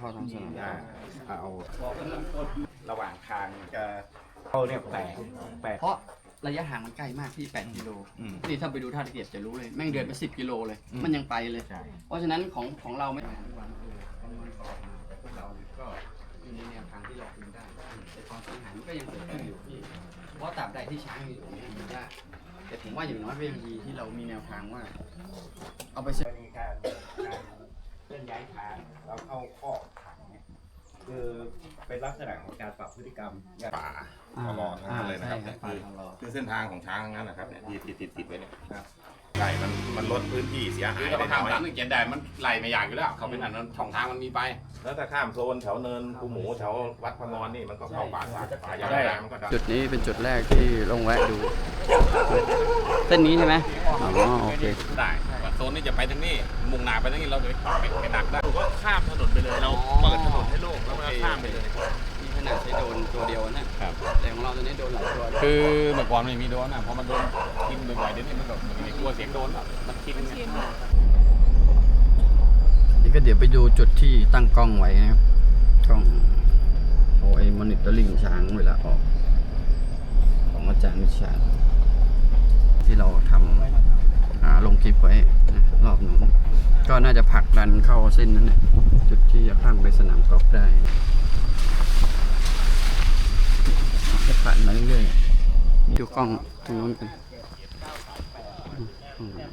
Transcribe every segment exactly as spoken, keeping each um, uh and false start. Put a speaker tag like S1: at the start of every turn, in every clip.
S1: เข้าทางสนาม
S2: เอาระหว่างทางจะเข้าเนี่ยแปลกแปลก
S1: เพราะระยะห่างมันใกล้มากที่แปดกิโลนี่ถ้าไปดูท่าตะเกียบจะรู้เลยแม่งเดินไปสิบกิโลเลยมันยังไปเลยเพราะฉะนั้นของของเราไม่เราก็อยู่ในแนวทางที่เราคุมได้แต่ความเสียหายมันก็ยังเกิดขึ้นอยู่พี่เพราะตราบใดที่ช้างอยู่ตรงนี้มันยากแต่ผมว่าอย่างน้อยก็ยังดีที่เรามีแนวทางว่าเอาไปเสร็จ
S2: มีการเคลื่อนย้ายทางแล้วเข้าข้อขังเนี่ยคือเป็นลักษณะของการปรับพฤติกรรม
S3: ป่าตลอดทั้งนั้นเลยนะครับเนี่ยคือคือเส้นทางของช้างทั้งนั้นนะครับเนี่ยที่ติดติดติดไว้เนี่ยไหลมันมันลดพื้นที่เสียหาย
S4: คือ
S3: ไป
S4: เรา
S3: น้อย
S4: ทำตามที่เขียนได้มันไหลไม่อยากอยู่แล้วเขาเป็นอันนั้นช่องทางมันมีไป
S3: แล้วถ้าข้ามโซนแถวเนินภูหมูแถววัดพมรนี่มันก็เข้าป่าป่าป่ายางมันก็ได้
S1: จุดนี้เป็นจุดแรกที่ลงแวะดูเส้นนี้ใช่ไหมอ๋อโอเค
S4: ได้ว่าโซนนี้จะไปทางนี้มุ่งหน้าไปทางนี้เราจะไปไปดักได้
S5: ก็ข้ามถนนไปเลยเราเปิดถนนให้โล่งแล้วมันก็ข้ามไปเลย
S1: นี่ขนาดใช้โดนตัวเดียวนะครับแต่ของเราตัวนี้โดนหลายตัว
S4: คือเมื่อก่อนไม่มีโดนนะพอมันโดนกินบ่อยๆเดี๋ยวนี้มันก็ไม่กลัวเสียงโดนแล้วมันกิน
S1: นี่ก็เดี๋ยวไปดูจุดที่ตั้งกล้องไว้นะครับกล้องโอไอมอนิเตอร์ลิงช้างเวลาออกของอาจารย์วิชาที่เราทำอ่าลงคลิปไว้นะรอบนู้นก็น่าจะผลักดันเข้าเส้นนั้นแหละจุดที่จะข้ามไปสนามกอล์ฟได้จะผ่านมาเรื่อยๆดูกล้องตรงนู้นกันอืม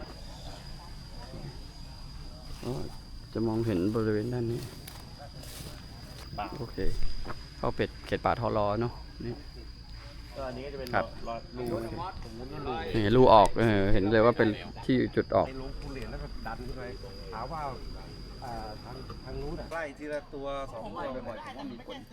S1: อ๋อจะมองเห็นบริเวณด้านนี้โอเคเข้าเป็ดเขตป่าทอรอเนาะนี่
S5: ก็อันนี้ก็จะเป็น
S1: ครับ
S5: รอรูผมมุ้นรู
S1: นี่รูออกเออเห็นเลยว่าเป็นที่จุดออก
S5: ในลงผู้เหรียญแล้วก็ดันขึ้นไปถามว่าอ่าทางทางนู้นอ่ะไล่ทีละตัวสองตัวบ่อยๆผมว่ามีผล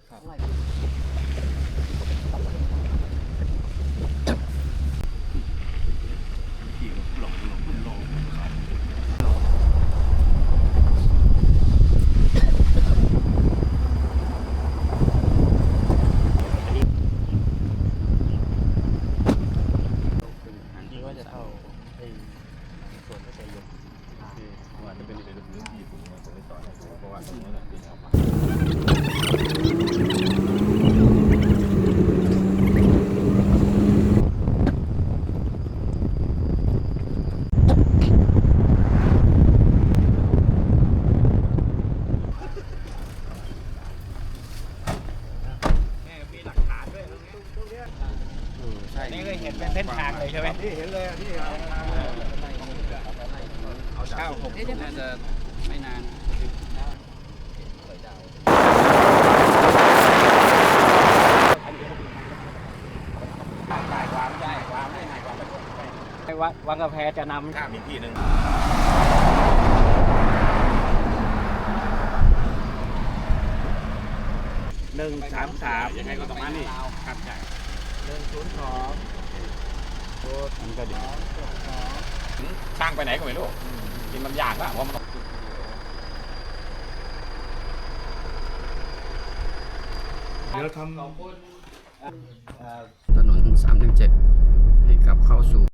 S1: ที่ว่าจะเข้าไอ้ส่วนที่จะยก
S3: ว่าจะเป็นในพื้นที่ผมผมไม่ต่อเพราะว่าตรงนั้นเป็นเอามา
S5: มีหลักฐานด้วยตรงนี้ตรงเนี้ย
S1: ใช่
S5: นี่ก็เห็นเป็นเส้นทางเลยใช่ไหมที่เห็นเลยที่เห็นทางเลยเอาเก้าหก
S1: น่าจะไม่นาน
S5: ไอ้วัดวังกาแฟจะนำ
S3: ข้ามอีกที่หนึ่ง
S5: หนึ่งสามสาม
S4: ยังไงก็ต้องมานี่
S5: ครับใช่หนึ่งศูนย์สอง
S1: มันก็ดี
S4: ช่างไปไหนก็ไม่รู้กินมันยากละเพราะมัน
S5: เดี๋ยวทำ
S1: ถนนสามหนึ่งเจ็ดให้กลับเข้าสู่